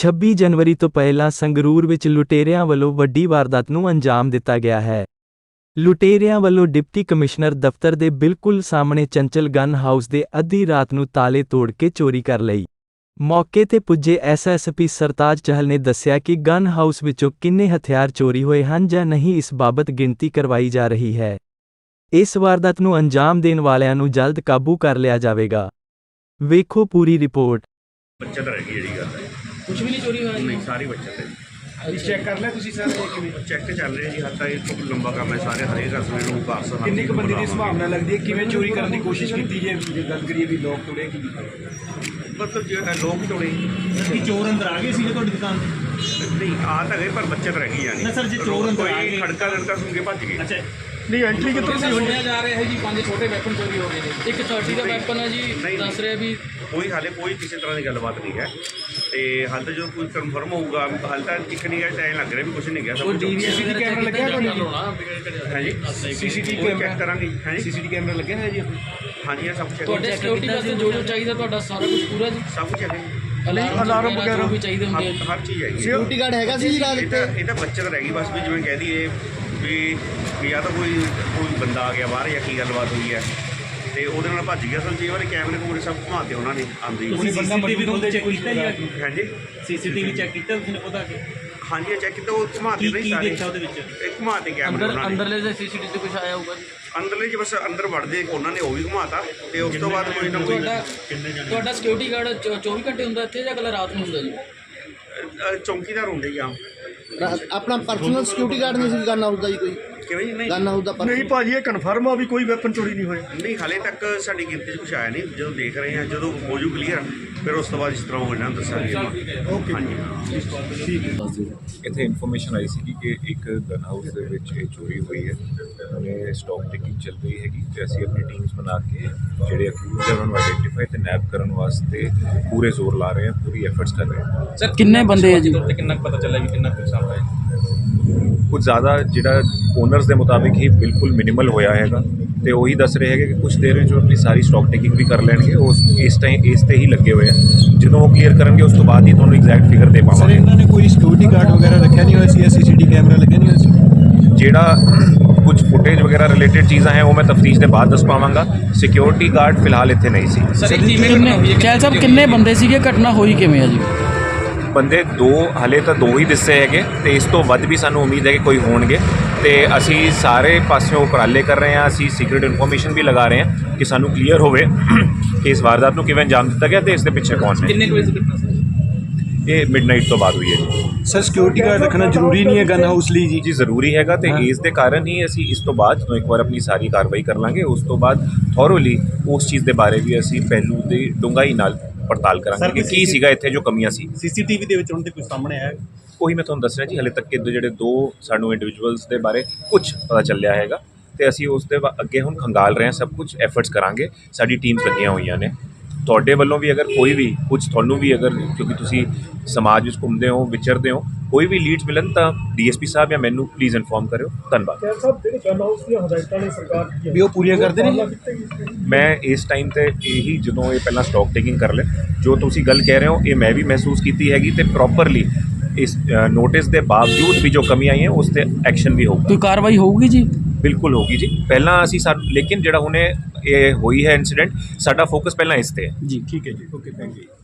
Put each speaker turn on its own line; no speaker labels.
26 ਜਨਵਰੀ ਤੋਂ ਪਹਿਲਾਂ ਸੰਗਰੂਰ ਵਿੱਚ ਲੁਟੇਰਿਆਂ ਵੱਲੋਂ ਵੱਡੀ ਵਾਰਦਾਤ ਨੂੰ ਅੰਜਾਮ ਦਿੱਤਾ ਗਿਆ ਹੈ। ਲੁਟੇਰਿਆਂ ਵੱਲੋਂ ਡਿਪਟੀ ਕਮਿਸ਼ਨਰ ਦਫ਼ਤਰ ਦੇ ਬਿਲਕੁਲ ਸਾਹਮਣੇ ਚੰਚਲ ਗਨ ਹਾਊਸ ਦੇ ਅੱਧੀ ਰਾਤ ਨੂੰ ਤਾਲੇ ਤੋੜ ਕੇ ਚੋਰੀ ਕਰ ਲਈ। ਮੌਕੇ ਤੇ ਪੁੱਜੇ ਐਸਐਸਪੀ ਸਰਤਾਜ ਚਹਲ ਨੇ ਦੱਸਿਆ ਕਿ ਗਨ ਹਾਊਸ ਵਿੱਚੋਂ ਕਿੰਨੇ ਹਥਿਆਰ ਚੋਰੀ ਹੋਏ ਹਨ ਜਾਂ ਨਹੀਂ ਇਸ ਬਾਬਤ ਗਿਣਤੀ ਕਰਵਾਈ ਜਾ ਰਹੀ ਹੈ। ਇਸ ਵਾਰਦਾਤ ਨੂੰ ਅੰਜਾਮ ਦੇਣ ਵਾਲਿਆਂ ਨੂੰ ਜਲਦ ਕਾਬੂ ਕਰ ਲਿਆ ਜਾਵੇਗਾ। ਵੇਖੋ ਪੂਰੀ ਰਿਪੋर्ट।
बचत रह गई जी गल है,
कुछ भी नहीं चोरी हुआ
नहीं सारी बचत है।
चेक कर लिया तुसी सर
चेक चल रहे जी, हद तक एक लंबा काम है, सारे हरेक रसोई ਨੂੰ ਪਾਰਸਲ
ਕਿੰਨੀ ਕੁ ਬੰਦੇ ਦੀ ਸੰਭਾਵਨਾ ਲੱਗਦੀ ਹੈ, ਕਿਵੇਂ ਚੋਰੀ ਕਰਨ ਦੀ ਕੋਸ਼ਿਸ਼ ਕੀਤੀ ਜੇ ਗੱਲ ਕਰੀਏ ਵੀ ਲੋਕ ਤੋੜੇ ਕੀ
मतलब जो लोग ਤੋੜੇ
ਕਿ ਚੋਰ ਅੰਦਰ ਆ ਗਏ ਸੀ ਤੁਹਾਡੀ ਦੁਕਾਨ
नहीं आ तो गए पर बचत रह गई यानी
ना सर, जो चोर अंदर आ गए
खड़का लड़का सुन के भज गए।
अच्छा
नहीं एंट्री कितों सी
सुनिया जा रहा है जी 5 छोटे वैपन चोरी हो गए ने। एक 30 ਦਾ ਵੈਪਨ ਹੈ ਜੀ, ਦੱਸ ਰਿਹਾ ਵੀ
ਕੋਈ ਹਾਲੇ ਕੋਈ ਕਿਸੇ ਤਰ੍ਹਾਂ ਦੀ ਗੱਲਬਾਤ ਨਹੀਂ ਹੈ ਤੇ ਹਾਲ ਤਾਂ ਜੋ ਕੋਈ ਕਨਫਰਮ ਹੋਊਗਾ, ਹਾਲ ਤਾਂ ਇੱਕ ਨਹੀਂ ਹੈ, ਟਾਈਮ ਲੱਗ ਰਿਹਾ ਵੀ ਕੁਝ ਨਹੀਂ ਗਿਆ ਸਭ ਕੁਝ।
ਸੀਸੀਟੀਵੀ ਕੈਮਰਾ ਲੱਗਿਆ
ਹੈ ਜੀ,
ਸੀਸੀਟੀਵੀ
ਚੈੱਕ
ਕੈਮਰਾ
ਕਰਾਂਗੇ। ਹੈ ਜੀ,
ਸੀਸੀਟੀਵੀ ਕੈਮਰਾ ਲੱਗਿਆ ਹੈ ਜੀ
ਹਾਂਜੀ ਇਹ ਸਭ ਕੁਝ
ਤੁਹਾਡੇ ਸਿਕਿਉਰਿਟੀ ਵਾਸਤੇ ਜੋ ਚਾਹੀਦਾ ਤੁਹਾਡਾ ਸਾਰਾ ਕੁਝ ਪੂਰਾ ਜੀ।
ਸਭ ਕੁਝ ਹੈ।
ਅਲਾਰਮ ਵਗੈਰਾ ਵੀ ਚਾਹੀਦੇ ਹੁੰਦੇ ਆ।
ਹਰ ਚੀਜ਼ ਹੈਗੀ।
ਸਿਕਿਉਰਿਟੀ ਗਾਰਡ ਹੈਗਾ ਸੀ ਰਾਤ
ਇਹ ਤਾਂ ਬੱਚਤ ਰਹਿ ਗਈ ਬਸ, ਵੀ ਜਿਵੇਂ ਕਹਿ ਦਈਏ ਵੀ ਜਾਂ ਤਾਂ ਕੋਈ ਬੰਦਾ ਆ ਗਿਆ ਬਾਹਰ ਜਾਂ ਕੀ ਗੱਲਬਾਤ ਹੋਈ ਹੈ ਤੇ ਉਹਦੇ ਨਾਲ ਭੱਜ ਗਿਆ। ਸਭ ਵਾਰੀ ਕੈਮਰੇ ਕੂਮਰੇ ਸਭ ਘੁਮਾਤੇ ਉਹਨਾਂ ਨੇ ਆਂਦੇ ਹੀ।
ਸੀਸੀਟੀਵੀ ਤੋਂ ਚੈੱਕ ਕੀਤਾ ਜੀ?
ਹਾਂਜੀ
ਸੀਸੀਟੀਵੀ ਚੈੱਕ ਕੀਤਾ ਤੁਸੀਂ ਉਹਦਾ ਕਿ
ਹਾਂਜੀ ਚੈੱਕ ਕੀਤਾ, ਉਹ ਘੁਮਾਤੇ ਨਹੀਂ ਸਾਰੇ।
ਦੇਖਿਆ ਉਹਦੇ ਵਿੱਚ
ਘੁਮਾਤੇ ਕੈਮਰੇ ਉਹਨਾਂ ਨੇ।
ਅੰਦਰਲੇ ਦੇ ਸੀਸੀਟੀਵੀ ਤੇ ਕੁਝ ਆਇਆ ਹੋਊਗਾ ਜੀ?
ਅੰਦਰਲੇ ਚ ਬਸ ਅੰਦਰ ਵੜਦੇ ਉਹਨਾਂ ਨੇ ਉਹ ਵੀ ਘੁਮਾਤਾ ਤੇ ਉਸ ਤੋਂ ਬਾਅਦ ਕੋਈ ਨਾ ਕੋਈ
ਤੁਹਾਡਾ ਸਿਕਿਉਰਿਟੀ ਗਾਰਡ 24 ਘੰਟੇ ਹੁੰਦਾ ਇੱਥੇ ਜਾਂ ਕੱਲ ਰਾਤ ਨੂੰ ਹੁੰਦਾ ਜੀ?
ਚੌਂਕੀਦਾਰ ਹੁੰਦੇ ਜੀ ਆਮ।
ਆਪਣਾ ਪਰਸਨਲ ਸਿਕਿਉਰਿਟੀ ਗਾਰਡ ਨਹੀਂ ਸੀ ਗਨ ਹਾਊਸ ਦਾ ਜੀ ਕੋਈ?
ਕਿਵੇਂ ਜੀ? ਨਹੀਂ
ਗਨ ਹਾਊਸ ਦਾ
ਨਹੀਂ ਭਾਜੀ, ਇਹ ਕਨਫਰਮ ਆ ਵੀ ਕੋਈ ਵੈਪਨ ਚੋਰੀ ਨਹੀਂ ਹੋਇਆ।
ਨਹੀਂ ਹਾਲੇ ਤੱਕ ਸਾਡੀ ਗਿਣਤੀ 'ਚ ਕੁਛ ਆਇਆ ਨਹੀਂ। ਜਦੋਂ ਦੇਖ ਰਹੇ ਹਾਂ, ਜਦੋਂ ਹੋ ਜੂ ਕਲੀਅਰ ਫਿਰ ਉਸ ਤੋਂ ਬਾਅਦ ਇਸ ਤਰ੍ਹਾਂ ਹੋ ਜਾਣਾ ਦੱਸਾਂਗੇ। ਹਾਂਜੀ
ਠੀਕ ਹੈ।
ਇੱਥੇ ਇਨਫੋਰਮੇਸ਼ਨ ਆਈ ਸੀ ਕਿ ਇੱਕ ਗਨ ਹਾਊਸ ਦੇ ਵਿੱਚ ਇਹ ਚੋਰੀ ਹੋਈ ਹੈ। ਉਹਨੇ ਸਟਾਕ ਟੇਕਿੰਗ ਚੱਲ ਰਹੀ ਹੈਗੀ ਤੇ ਅਸੀਂ ਆਪਣੀ ਟੀਮਸ ਬਣਾ ਕੇ ਜਿਹੜੇ ਅਕਿਊਜ਼ਡ ਹੈ ਉਹਨਾਂ ਨੂੰ ਆਈਡੈਂਟੀਫਾਈ ਤੇ ਨੈਪ ਕਰਨ ਵਾਸਤੇ ਪੂਰੇ ਜ਼ੋਰ ਲਾ ਰਹੇ ਹਾਂ, ਪੂਰੀ ਐਫਰਟਸ ਕਰ ਰਹੇ ਹਾਂ।
ਸਰ ਕਿੰਨੇ ਬੰਦੇ ਆ ਜੀ?
ਕਿੰਨਾ ਪਤਾ ਚੱਲਿਆ ਵੀ ਕਿੰਨਾ ਪੈਸਾ ਆਇਆ?
ਕੁਝ ਜ਼ਿਆਦਾ ਜਿਹੜਾ ਓਨਰਸ ਦੇ ਮੁਤਾਬਿਕ ਹੀ ਬਿਲਕੁਲ ਮਿਨੀਮਲ ਹੋਇਆ ਹੈਗਾ ਤੇ ਉਹੀ ਦੱਸ ਰਹੇ ਹੈਗੇ ਕਿ ਕੁਝ ਦੇਰ ਵਿੱਚ ਉਹ ਆਪਣੀ ਸਾਰੀ ਸਟਾਕ ਟੇਕਿੰਗ ਵੀ ਕਰ ਲੈਣਗੇ। ਉਸ ਇਸ ਤੇ ਹੀ ਲੱਗੇ ਹੋਏ ਆ। ਜਦੋਂ ਉਹ ਕਲੀਅਰ ਕਰਨਗੇ ਉਸ ਤੋਂ ਬਾਅਦ ਹੀ ਤੁਹਾਨੂੰ ਐਗਜ਼ੈਕਟ ਫਿਗਰ ਦੇ
ਸਰ
ਪਾਵਾਂਗੇ।
ਇਹਨਾਂ ਨੇ ਕੋਈ ਸਿਕਿਉਰਿਟੀ ਗਾਰਡ ਵਗੈਰਾ ਰੱਖਿਆ ਨਹੀਂ ਹੋਇਆ ਸੀ? ਸੀਸੀਟੀਵੀ ਕੈਮਰਾ ਲੱਗਿਆ ਨਹੀਂ ਹੋਇਆ ਸੀ?
ਜਿਹੜਾ ਕੁਝ ਫੁਟੇਜ ਵਗੈਰਾ ਰਿਲੇਟਡ ਚੀਜ਼ਾਂ ਹੈ ਉਹ ਮੈਂ ਤਫਤੀਸ਼ ਦੇ ਬਾਅਦ ਦੱਸ ਪਾਵਾਂਗਾ। ਸਿਕਿਉਰਿਟੀ ਗਾਰਡ ਫਿਲਹਾਲ ਇੱਥੇ ਨਹੀਂ ਸੀ।
ਸਰ ਚੈਲ ਸਾਹਿਬ ਕਿੰਨੇ ਬੰਦੇ ਸੀਗੇ, ਘਟਨਾ ਹੋਈ ਕਿਵੇਂ ਆ ਜੀ?
ਬੰਦੇ ਹਾਲੇ ਤਾਂ ਦੋ ਹੀ ਦਿਸੇ ਹੈਗੇ ਤੇ ਇਸ ਤੋਂ ਵੱਧ ਵੀ ਸਾਨੂੰ ਉਮੀਦ ਹੈ ਕਿ ਕੋਈ ਹੋਣਗੇ ਤੇ ਅਸੀਂ ਸਾਰੇ ਪਾਸਿਓਂ ਉਪਰਾਲੇ ਕਰ ਰਹੇ ਹਾਂ। ਅਸੀਂ ਸੀਕ੍ਰੀਟ ਇਨਫੋਰਮੇਸ਼ਨ ਵੀ ਲਗਾ ਰਹੇ ਹਾਂ ਕਿ ਸਾਨੂੰ ਕਲੀਅਰ ਹੋਵੇ ਕਿ ਇਸ ਵਾਰਦਾਤ ਨੂੰ ਕਿਵੇਂ ਅੰਜਾਮ ਦਿੱਤਾ ਗਿਆ ਤੇ ਇਸ ਦੇ ਪਿੱਛੇ ਕੌਣ ਨੇ।
ਕਿੰਨੇ ਵਜੇ ਘਟਨਾ ਸੀ?
ਇਹ ਮਿਡਨਾਈਟ ਤੋਂ ਬਾਅਦ ਹੋਈ ਹੈ ਜੀ।
ਸਰ ਸਿਕਿਉਰਿਟੀ ਗਾਰਡ ਰੱਖਣਾ ਜ਼ਰੂਰੀ ਨਹੀਂ ਹੈ ਗਨ ਹਾਊਸ ਲਈ ਜੀ?
ਜੀ ਜ਼ਰੂਰੀ ਹੈਗਾ ਤੇ ਇਸ ਦੇ ਕਾਰਨ ਹੀ ਅਸੀਂ ਇਸ ਤੋਂ ਬਾਅਦ ਜਦੋਂ ਇੱਕ ਵਾਰ ਆਪਣੀ ਸਾਰੀ ਕਾਰਵਾਈ ਕਰ ਲਾਂਗੇ ਉਸ ਤੋਂ ਬਾਅਦ ਥੋਰੋਲੀ ਉਸ ਚੀਜ਼ ਦੇ ਬਾਰੇ ਵੀ ਅਸੀਂ ਪਹਿਲੂ ਦੀ ਡੂੰਘਾਈ ਨਾਲ ਪੜਤਾਲ ਕਰਾਂਗੇ ਕਿ ਕੀ ਸੀਗਾ ਇੱਥੇ ਜੋ ਕਮੀਆਂ ਸੀ।
ਸੀਸੀਟੀਵੀ ਦੇ ਵਿੱਚ ਹੁਣ ਤੇ ਕੁਝ ਸਾਹਮਣੇ ਆਇਆ?
ਉਹੀ ਮੈਂ ਤੁਹਾਨੂੰ ਦੱਸ ਰਿਹਾ ਜੀ, ਹਾਲੇ ਤੱਕ ਜਿਹੜੇ ਦੋ ਸਾਨੂੰ ਇੰਡੀਵਿਜੂਅਲਸ ਦੇ ਬਾਰੇ ਕੁਝ ਪਤਾ ਚੱਲਿਆ ਹੈਗਾ ਤੇ ਅਸੀਂ ਉਸ ਦੇ ਅੱਗੇ ਹੁਣ ਖੰਗਾਲ ਰਹੇ ਹਾਂ। ਸਭ ਕੁਝ ਐਫਰਟਸ ਕਰਾਂਗੇ, ਸਾਡੀ ਟੀਮਸ ਲੱਗੀਆਂ ਹੋਈਆਂ ਨੇ। ਤੁਹਾਡੇ ਵੱਲੋਂ ਵੀ ਅਗਰ ਕੋਈ ਵੀ ਕੁਝ ਤੁਹਾਨੂੰ ਵੀ ਅਗਰ ਕਿਉਂਕਿ ਤੁਸੀਂ ਸਮਾਜ ਵਿੱਚ ਘੁੰਮਦੇ ਹੋ ਵਿਚਰਦੇ ਹੋ, ਕੋਈ ਵੀ ਲੀਡਸ ਮਿਲਣ ਤਾਂ ਡੀਐਸਪੀ ਸਾਹਿਬ ਜਾਂ ਮੈਨੂੰ ਪਲੀਜ਼ ਇਨਫੋਰਮ ਕਰਿਓ। ਧੰਨਵਾਦ।
ਸਾਹਿਬ ਜਿਹੜੇ ਗਨ ਹਾਊਸ ਦੀਆਂ ਹਦਾਇਤਾਂ ਨੇ ਸਰਕਾਰ ਦੀਆਂ ਵੀ ਉਹ ਪੂਰੀਆਂ ਕਰਦੇ ਨੇ?
ਮੈਂ ਇਸ ਟਾਈਮ ਤੇ ਇਹੀ ਜਦੋਂ ਇਹ ਪਹਿਲਾਂ ਸਟਾਕ ਟੇਕਿੰਗ ਕਰ ਲੈ ਜੋ ਤੁਸੀਂ ਗੱਲ ਕਹਿ ਰਹੇ ਹੋ ਇਹ ਮੈਂ ਵੀ ਮਹਿਸੂਸ ਕੀਤੀ ਹੈਗੀ ਤੇ ਪ੍ਰੋਪਰਲੀ ਇਸ ਨੋਟਿਸ ਦੇ ਬਾਵਜੂਦ ਵੀ ਜੋ ਕਮੀ ਆਈ ਹੈ ਉਸ ਤੇ ਐਕਸ਼ਨ ਵੀ ਹੋਊਗਾ।
ਕੋਈ ਕਾਰਵਾਈ ਹੋਊਗੀ ਜੀ?
ਬਿਲਕੁਲ ਹੋਗੀ ਜੀ। ਪਹਿਲਾਂ ਅਸੀਂ ਲੇਕਿਨ ਜਿਹੜਾ ਹੁਣੇ ਇਹ ਹੋਈ ਹੈ ਇਨਸੀਡੈਂਟ, ਸਾਡਾ ਫੋਕਸ ਪਹਿਲਾਂ ਇਸ ਤੇ ਹੈ
ਜੀ।
ਠੀਕ ਹੈ ਜੀ, ਓਕੇ, ਥੈਂਕ ਯੂ।